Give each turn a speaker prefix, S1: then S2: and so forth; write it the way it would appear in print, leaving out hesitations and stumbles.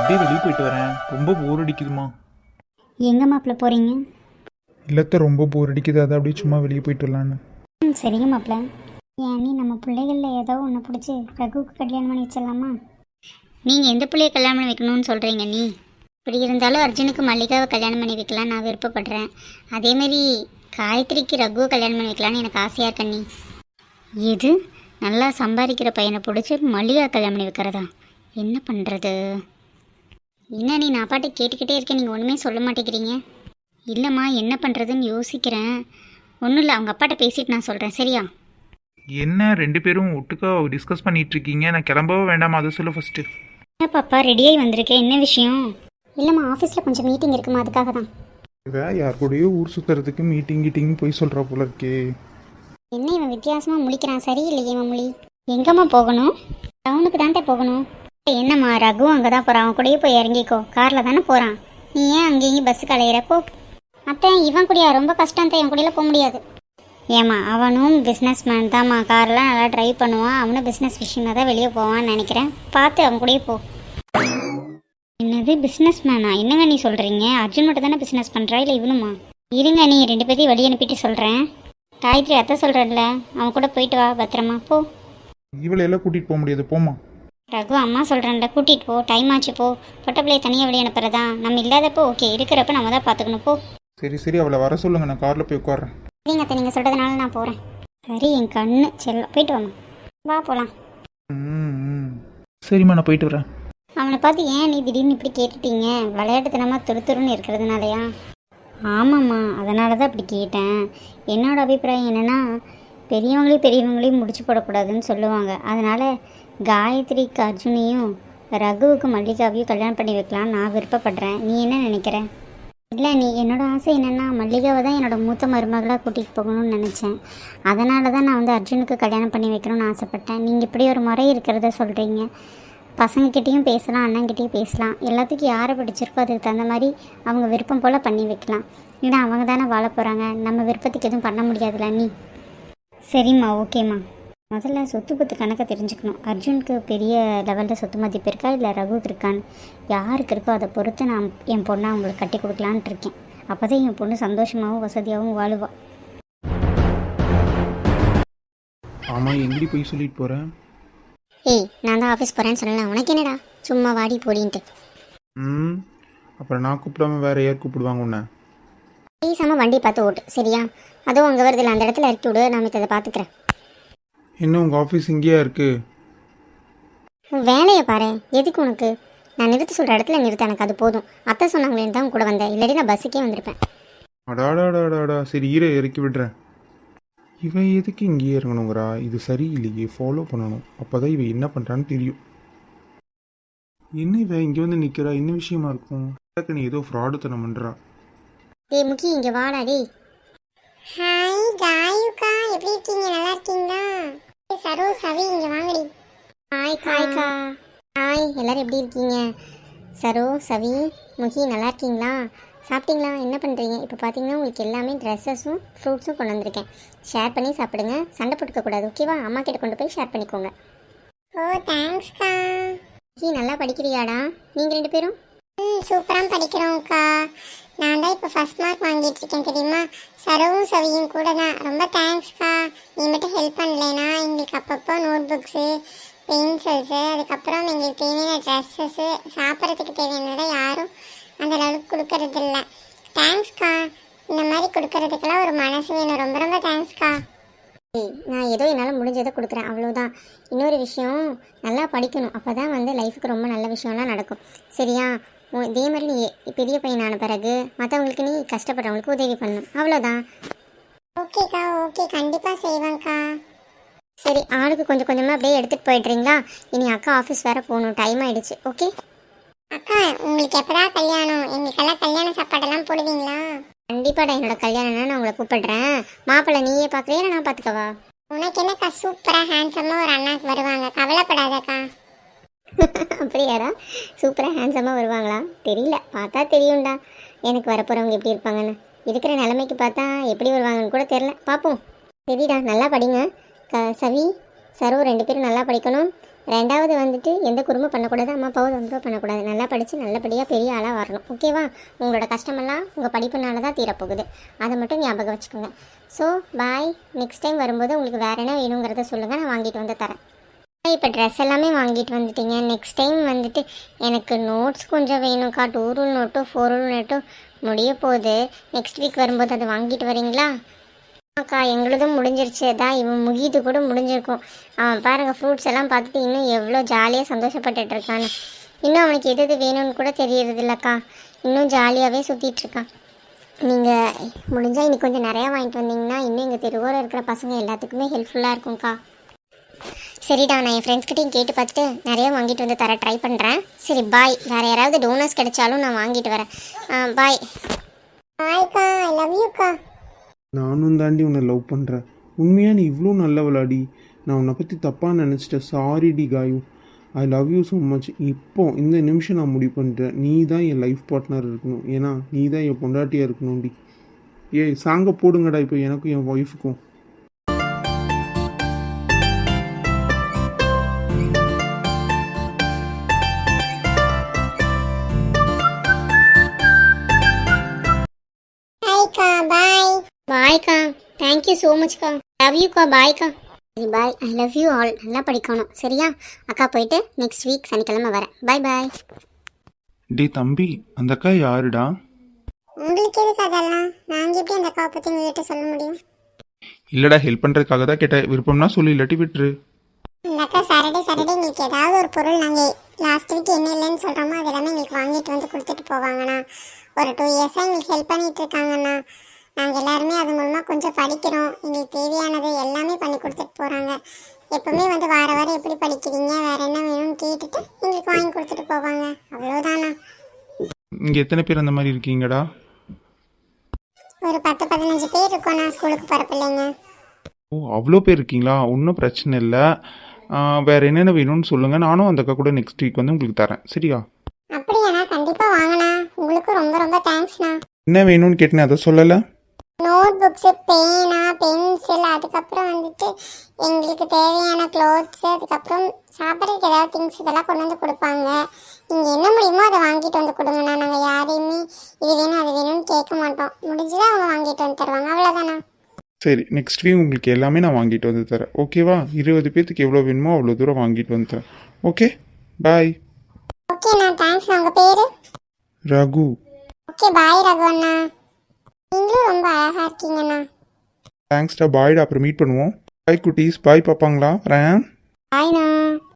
S1: அப்படியே வெளியே போயிட்டு வரேன், ரொம்ப போர் அடிக்குதுமா.
S2: எங்கே மாப்பிள்ள போகிறீங்க?
S1: இல்லத்த ரொம்ப போர் அடிக்குது, அதை அப்படியே சும்மா வெளியே போயிட்டு வரலான்னு.
S2: சரிங்க மாப்பிள்ள. ஏன் நீ நம்ம பிள்ளைகளில் ஏதோ ஒன்று பிடிச்சி ரகுவுக்கு கல்யாணம் பண்ணி வச்சிடலாமா? நீங்கள் எந்த பிள்ளைய கல்யாணம் பண்ணி வைக்கணும்னு சொல்கிறீங்க நீ? இப்படி இருந்தாலும் அர்ஜுனுக்கு மல்லிகாவை கல்யாணம் பண்ணி வைக்கலாம் நான் விருப்பப்படுறேன். அதேமாரி காயத்ரிக்கு ரகுவை கல்யாணம் பண்ணி வைக்கலான்னு எனக்கு ஆசையாக இருக்க நீ. எது நல்லா சம்பாதிக்கிற பையனை பிடிச்சி மல்லிகா கல்யாணம் பண்ணி வைக்கிறதா? என்ன பண்ணுறது? என்ன நீ நான் பாட்டு கேட்டுக்கிட்டே இருக்கேன், நீங்கள் ஒன்றுமே சொல்ல மாட்டேங்கிறீங்க. இல்லைம்மா என்ன பண்ணுறதுன்னு யோசிக்கிறேன். ஒன்றும் இல்லை, அவங்க அப்பாட்ட பேசிட்டு நான் சொல்கிறேன், சரியா?
S1: என்ன ரெண்டு பேரும் ஒட்டுக்கா டிஸ்கஸ் பண்ணிட்டு இருக்கீங்க? நான் கிளம்பவே வேண்டாமா, அதை சொல்ல ஃபர்ஸ்ட்.
S2: என்ன பாப்பா ரெடியாகி வந்திருக்கேன், என்ன விஷயம்? இல்லைம்மா ஆஃபீஸில் கொஞ்சம் மீட்டிங் இருக்குமா, அதுக்காக தான்.
S1: இவ யார் கூடயோ ஊர் சுற்றுறதுக்கு மீட்டிங் கீட்டிங் போய் சொல்கிறா போல இருக்கே.
S2: என்ன இவன் வித்தியாசமாக முழிக்கிறான், சரியில்லையே இவன் மொழி. எங்கம்மா போகணும்? டவுனுக்கு தான்ட்டே போகணும். என்னம்மா ரகு அங்கே தான் போகிறான், அவன் கூடயே போய் இறங்கிக்கோ, காரில் தானே போகிறான். நீ ஏன் அங்கேயும் பஸ்ஸுக்கு அலையிறப்போ? அத்தை இவன் கூடயா ரொம்ப கஷ்டம் தான், என் கூடலாம் போக முடியாது. ஏம்மா அவனும் பிஸ்னஸ் மேன் தான்மா, கார்லாம் நல்லா ட்ரைவ் பண்ணுவான். அவனும் பிஸ்னஸ் விஷயமாக தான் வெளியே போவான்னு நினைக்கிறேன், பார்த்து அவன் கூடயே போ. என்னது பிஸ்னஸ் மேனா? என்னங்க நீ சொல்கிறீங்க? அர்ஜுன் மட்டும் தானே பிஸ்னஸ் பண்ணுறா, இல்லை இவனுமா? இருங்க நீ ரெண்டு பேர்த்தையும் வெளியே அனுப்பிட்டு சொல்கிறேன். காயத்ரி அத்தை சொல்கிறேன்ல, அவன் கூட போயிட்டு வா பத்திரமா போ.
S1: இவளை எல்லாம் கூட்டிகிட்டு போக முடியாது, போமா.
S2: ரகு அம்மா சொல்கிறேன்ல, கூட்டிகிட்டு போ, டைம் ஆச்சு போ. பொட்ட பிள்ளைய தனியாக வெளியே அனுப்புறதா? நம்ம இல்லாதப்போ ஓகே, இருக்கிறப்ப நம்ம தான் பார்த்துக்கணும் போ.
S1: சரி சரி, அவளை வர சொல்லுங்க, நான் காரில் போய் உட்காடுறேன்.
S2: சரிங்க அத்தை, நீங்கள் சொல்கிறதுனால நான் போகிறேன். சரி என் கண்ணு செல்லம், போயிட்டு வாமா, வா போகலாம்.
S1: சரிம்மா நான் போயிட்டு வரேன்.
S2: அவனை பார்த்து ஏன் நீ திடீர்னு இப்படி கேட்டுட்டீங்க? விளையாட்டுத்தனமாக துருத்துருன்னு இருக்கிறதுனாலயா? ஆமாம்மா அதனால தான் அப்படி கேட்டேன். என்னோட அபிப்பிராயம் என்னென்னா, பெரியவங்களையும் முடிச்சு போடக்கூடாதுன்னு சொல்லுவாங்க. அதனால் காயத்ரிக்கு அர்ஜுனையும் ரகுவுக்கு மல்லிகாவையும் கல்யாணம் பண்ணி வைக்கலான்னு நான் விருப்பப்படுறேன். நீ என்ன நினைக்கிற? இல்லை நீ என்னோட ஆசை என்னென்னா, மல்லிகாவை தான் என்னோடய மூத்த மருமகளாக கூட்டிகிட்டு போகணும்னு நினச்சேன். அதனால தான் நான் வந்து அர்ஜுனுக்கு கல்யாணம் பண்ணி வைக்கணும்னு ஆசைப்பட்டேன். நீங்கள் இப்படி ஒரு முறை இருக்கிறத சொல்கிறீங்க. பசங்கக்கிட்டேயும் பேசலாம், அண்ணங்கிட்டேயும் பேசலாம். எல்லாத்துக்கும் யாரை பிடிச்சிருக்கோ அதுக்கு தகுந்த மாதிரி அவங்க விருப்பம் போல் பண்ணி வைக்கலாம். ஏன்னா அவங்க தானே வாழ போகிறாங்க, நம்ம விருப்பத்துக்கு எதுவும் பண்ண முடியாதுல்ல நீ. சரிம்மா ஓகேம்மா. முதல்ல சொத்து பத்து கணக்கை தெரிஞ்சுக்கணும். அர்ஜுனுக்கு பெரிய லெவலில் சொத்து மதிப்பு இருக்கா இல்லை ரகுவுக்கு இருக்கான்னு யாருக்கு இருக்கோ அதை பொறுத்து நான் என் பொண்ணை அவங்களுக்கு கட்டி கொடுக்கலான்ட்டு இருக்கேன். அப்போ தான் என் பொண்ணு சந்தோஷமாகவும் வசதியாகவும் வாழுவாள்.
S1: ஆமாம், எங்கடி போய் சொல்லிட்டு போகிறேன்?
S2: ஏய் நான் தான் ஆஃபீஸ் போகிறேன்னு சொல்லலாம், உனக்கு என்னடா சும்மா வாடி போடின்ட்டு.
S1: அப்புறம் நான் கூப்பிடாம வேற யார் கூப்பிடுவாங்க உன்னை?
S2: பேசாமல் வண்டி பார்த்து ஓட்டு சரியா? அதுவும் அங்கே வருதில்ல, அந்த இடத்துல இறக்கி விடு, நான் இதை பார்த்துக்கிறேன்.
S1: என்ன உங்கள் ஆஃபீஸ் இங்கேயா இருக்குது?
S2: வேலையை பாரு, எதுக்கு உனக்கு? நான் நிறுத்த சொல்கிற இடத்துல நிறுத்த, எனக்கு அது போதும். அத்தை சொன்னாங்களேன்னு தான் கூட வந்தேன், இல்லாட்டி நான் பஸ்ஸுக்கே வந்திருப்பேன்.
S1: அடாடாடாடாடா, சரி இறக்கி விடுறேன். இவன் எதுக்கு இங்கேயே இறங்கணுங்கிறா? இது சரியில்லையே, ஃபாலோ பண்ணணும், அப்போ தான் இவன் என்ன பண்ணுறான்னு தெரியும். என்ன இவன் இங்கே வந்து நிற்கிறா? என்ன விஷயமா இருக்கும்? நீ ஏதோ ஃப்ராடுத்தனம் பண்ணுறா.
S2: டேய் முக்கி இங்கே வாடா டேய். ஹாய் காயுக்கா, எப்படி இருக்கீங்க? நல்லா இருக்கீங்களா? சரோ சவி இங்கே வாங்கடி. ஹாய் காய்க்கா. ஹாய் எல்லாரும் எப்படி இருக்கீங்க? சரோ சவி முகி நல்லா இருக்கீங்களா? சாப்பிட்டீங்களா? என்ன பண்ணுறீங்க? இப்போ பார்த்தீங்கன்னா உங்களுக்கு எல்லாமே ட்ரெஸ்ஸஸும் ஃப்ரூட்ஸும் கொண்டு வந்திருக்கேன். ஷேர் பண்ணி சாப்பிடுங்க, சண்டை போட்டுக்கக்கூடாது ஓகேவா? அம்மா கிட்ட கொண்டு போய் ஷேர் பண்ணிக்கோங்க. ஓ தேங்க்ஸ்க்கா. முகி நல்லா படிக்கிறியாடா? நீங்கள் ரெண்டு பேரும்? சூப்பராக படிக்கிறோம்க்கா. நான் தான் இப்போ ஃபஸ்ட் மார்க் வாங்கிட்டு இருக்கேன் தெரியுமா? சரவும் சவியும் கூட தான். ரொம்ப தேங்க்ஸ்க்கா. நீ மட்டும் ஹெல்ப் பண்ணலைன்னா எங்களுக்கு அப்பப்போ நோட் புக்ஸு, பென்சில்ஸு, அதுக்கப்புறம் எங்களுக்கு தேவையான ட்ரெஸ்ஸஸ்ஸு, சாப்பிட்றதுக்கு தேவையானதை யாரும் அந்த அளவுக்கு கொடுக்கறதில்ல. தேங்க்ஸ்க்கா. இந்த மாதிரி கொடுக்கறதுக்கெல்லாம் ஒரு மனசு வேணும். ரொம்ப ரொம்ப தேங்க்ஸ்க்கா. நான் ஏதோ என்னால் முடிஞ்சதை கொடுக்குறேன், அவ்வளோதான். இன்னொரு விஷயம், நல்லா படிக்கணும், அப்போ தான் வந்து லைஃபுக்கு ரொம்ப நல்ல விஷயம்லாம் நடக்கும் சரியா? இதே மாதிரி நீ பெரிய பையனான பிறகு மற்றவங்களுக்கு நீ கஷ்டப்படுறவங்களுக்கு உதவி பண்ணணும், அவ்வளோதான். ஓகேக்கா ஓகே, கண்டிப்பாக செய்வேங்க்கா. சரி ஆளுக்கு கொஞ்சம் கொஞ்சமாக அப்படியே எடுத்துகிட்டு போயிடுறீங்களா? இனி அக்கா ஆஃபீஸ் வேறு போகணும், டைம் ஆகிடுச்சு. ஓகே அக்கா, உங்களுக்கு எப்படா கல்யாணம்? எங்களுக்கெல்லாம் கல்யாண சாப்பாடெல்லாம் போடுவீங்களா? கண்டிப்பாடா, என்னோட கல்யாணம்னா நான் உங்களை கூப்பிடுறேன். மாப்பிள்ளை நீயே பார்க்குறியா நான் பார்த்துக்கவா? உனக்கு என்னக்கா, சூப்பராக ஹேண்ட்ஸமாக ஒரு அண்ணாக்கு வருவாங்க, கவலைப்படாதக்கா. அப்படியாடா? சூப்பராக ஹேண்ட்ஸமாக வருவாங்களா? தெரியல, பார்த்தா தெரியும்டா எனக்கு வரப்போகிறவங்க எப்படி இருப்பாங்கன்னு. இருக்கிற நிலைமைக்கு பார்த்தா எப்படி வருவாங்கன்னு கூட தெரில, பார்ப்போம். சரிடா நல்லா படிங்க. சவி சரோ ரெண்டு பேரும் நல்லா படிக்கணும். ரெண்டாவது வந்துட்டு எந்த குறும்பும் பண்ணக்கூடாது, அம்மா அப்பாவை தொந்தரவு பண்ணக்கூடாது. நல்லா படித்து நல்லபடியாக பெரிய ஆளாக வரணும். ஓகேவா? உங்களோட கஷ்டமெல்லாம் உங்கள் படிப்புனால தான் தீரப்போகுது. அதை மட்டும் ஞாபகம் வச்சுக்கோங்க. So bye. நெக்ஸ்ட் டைம் வரும்போது உங்களுக்கு வேறு என்ன வேணுங்கிறத சொல்லுங்கள், நான் வாங்கிட்டு வந்து தரேன். இப்போ ட்ரெஸ் எல்லாமே வாங்கிட்டு வந்துட்டீங்க. நெக்ஸ்ட் டைம் வந்துட்டு எனக்கு நோட்ஸ் கொஞ்சம் வேணும்க்கா. 2 ரூல் நோட்டும் 4 ரூல் நோட்டும் முடிய போகுது. நெக்ஸ்ட் வீக் வரும்போது அதை வாங்கிட்டு வரீங்களா? அக்கா எங்களுதும் முடிஞ்சிருச்சு. தான் இவன் முகிது கூட முடிஞ்சிருக்கும். அவன் பாருங்கள் ஃப்ரூட்ஸ் எல்லாம் பார்த்துட்டு இன்னும் எவ்வளோ ஜாலியாக சந்தோஷப்பட்டுட்டு இருக்கான்னு. இன்னும் அவனுக்கு எது எது வேணும்னு கூட தெரியறது இல்லைக்கா. இன்னும் ஜாலியாகவே சுற்றிட்டு இருக்கான். நீங்கள் முடிஞ்சால் இன்னைக்கு கொஞ்சம் நிறையா வாங்கிட்டு வந்தீங்கன்னா இன்னும் எங்கள் தெருவோரம் இருக்கிற பசங்க எல்லாத்துக்குமே ஹெல்ப்ஃபுல்லாக இருக்கும்க்கா. சரிடா, நான் என் ஃப்ரெண்ட்ஸ்கிட்டையும் கேட்டு பார்த்துட்டு நிறைய வாங்கிட்டு வந்து தர ட்ரை பண்ணுறேன். சரி பாய். வேறு யாராவது டோனர்ஸ் கிடைச்சாலும் நான் வாங்கிட்டு வரேன். பாய். பாய்க்கா. ஐ லவ் யூக்கா.
S1: நானும் தாண்டி உன்னை லவ் பண்ணுறேன். உண்மையாக நீ இவ்வளோ நல்லவளாடி. நான் உன்னை பற்றி தப்பாக நினச்சிட்டேன். சாரிடி Kayu. I love you so much. இப்போ இந்த நிமிஷம் நான் முடிவு பண்ணுறேன், நீ தான் என் லைஃப் பார்ட்னர் இருக்கணும். ஏன்னா நீ தான் என் பொண்டாட்டியாக இருக்கணும்டி. ஏய் சாங்கை போடுங்கடா இப்போ எனக்கும் என் ஒய்ஃபுக்கும்.
S2: பாய். பாய்க்கா. தேங்க்யூ ஸோ மச்க்கா. லவ் யூக்கா. பாய்க்கா. சரி bye. I love you all. நல்லா படிக்கணும் சரியா? அக்கா போயிட்டு நெக்ஸ்ட் வீக் சனிக்கிழமை வரேன். பாய் பாய்.
S1: டே தம்பி, அந்த அக்கா யாருடா?
S2: உங்களுக்கு எதுக்கு அதெல்லாம்? நாங்கள் எப்படி அந்த அக்காவை பற்றி உங்ககிட்ட சொல்ல முடியும்?
S1: இல்லைடா, ஹெல்ப் பண்ணுறதுக்காக தான் கேட்டேன். விருப்பம்னா சொல்லி, இல்லாட்டி விட்டுரு.
S2: இந்த அக்கா சாட்டர்டே எங்களுக்கு ஏதாவது ஒரு பொருள் நாங்கள் லாஸ்ட் வீக் என்ன இல்லைன்னு சொல்கிறோமோ அது எல்லாமே எங்களுக்கு வாங்கிட்டு வந்து கொடுத்துட்டு போவாங்கண்ணா. ஒரு 2 இயர்ஸாக எங்களுக்கு ஹெல்ப் பண்ணிகிட்டு இருக்காங்கண்ணா. நாங்கள் எல்லாருமே அது மூலமாக கொஞ்சம் படிக்கிறோம். எங்களுக்கு தேவையானது எல்லாமே பண்ணி கொடுத்துட்டு போகிறாங்க. எப்போவுமே வந்து வாரம் எப்படி படிக்கிறீங்க, வேறு என்ன வேணும்னு கேட்டுட்டு எங்களுக்கு வாங்கி கொடுத்துட்டு போவாங்க. அவ்வளோதாண்ணா.
S1: இங்கே எத்தனை பேர் அந்த மாதிரி இருக்கீங்கடா?
S2: ஒரு 10-15 பேர் இருக்கோண்ணா ஸ்கூலுக்கு போகிற பிள்ளைங்க.
S1: ஓ, அவ்வளோ பேர் இருக்கீங்களா? ஒன்றும் பிரச்சனை இல்லை. வேறு என்னென்ன வேணும்னு சொல்லுங்கள். நானும் அந்த அக்கா கூட நெக்ஸ்ட் வீக் வந்து உங்களுக்கு தரேன். சரியா?
S2: அப்படியாண்ணா? கண்டிப்பாக வாங்கண்ணா. உங்களுக்கும் ரொம்ப ரொம்ப தேங்க்ஸ்ண்ணா.
S1: என்ன வேணும்னு கேட்டேன், அதை சொல்லலை.
S2: நோட் புக்ஸு, பேனா, பென்சில், அதுக்கப்புறம் வந்துட்டு எங்களுக்கு தேவையான க்ளோத்ஸு, அதுக்கப்புறம் சாப்பிட்றதுக்கு ஏதாவது திங்ஸ் இதெல்லாம் கொண்டு வந்து கொடுப்பாங்க. நீங்கள் என்ன முடியுமோ அதை வாங்கிட்டு வந்து கொடுங்கண்ணா. நாங்கள் யாரையுமே இது வேணும் அது வேணும்னு கேட்க மாட்டோம். முடிஞ்சுதான் அவங்க வாங்கிட்டு வந்து தருவாங்க. அவ்வளோதாண்ணா.
S1: சரி, நெக்ஸ்ட் வீக் உங்களுக்கு எல்லாமே நான் வாங்கிட்டு வந்து தரேன். ஓகேவா? 20 பேர்த்துக்கு எவ்வளோ வேணுமோ அவ்வளோ தூரம் வாங்கிட்டு வந்து தரேன். Okay bye.
S2: ஓகேண்ணா. தேங்க்ஸ்ண்ணா. உங்கள் பேர்?
S1: ரகு.
S2: ஓகே பாய் ரகு அண்ணா. நீங்களும் ரொம்ப அழகாக இருக்கீங்கண்ணா.
S1: தேங்க்ஸ்டா. பாய்டா. அப்புறம் மீட் பண்ணுவோம். பாய் குட்டீஸ். பாய் பார்ப்பாங்களா? வரேன்.
S2: பாய்ண்ணா.